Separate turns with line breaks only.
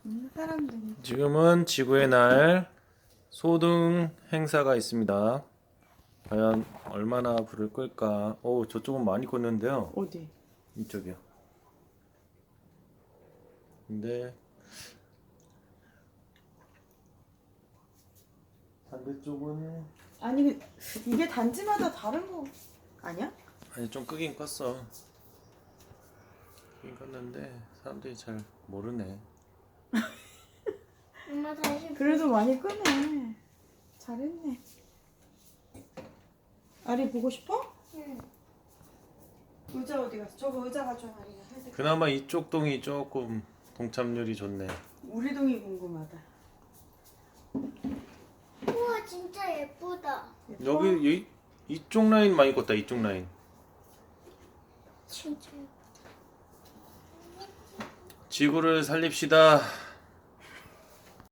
사람들이.
지금은 지구의 날 소등 행사가 있습니다. 과연 얼마나 불을 끌까? 오, 저쪽은 많이 껐는데요.
어디?
이쪽이요. 근데 반대쪽은
아니 이게 단지마다 다른 거 아니야?
아니 좀 끄긴 껐어. 끄긴 껐는데 사람들이 잘 모르네.
엄마 다시
그래도 많이 끄네. 잘했네. 아리 보고 싶어?
응.
의자 어디 갔어? 저거 의자 가져와 아리가.
그나마 이쪽 동이 조금 동참률이 좋네.
우리 동이 궁금하다.
우와 진짜 예쁘다.
예뻐?
여기 이쪽 라인 많이 껐다. 이쪽 라인.
진짜.
지구를 살립시다.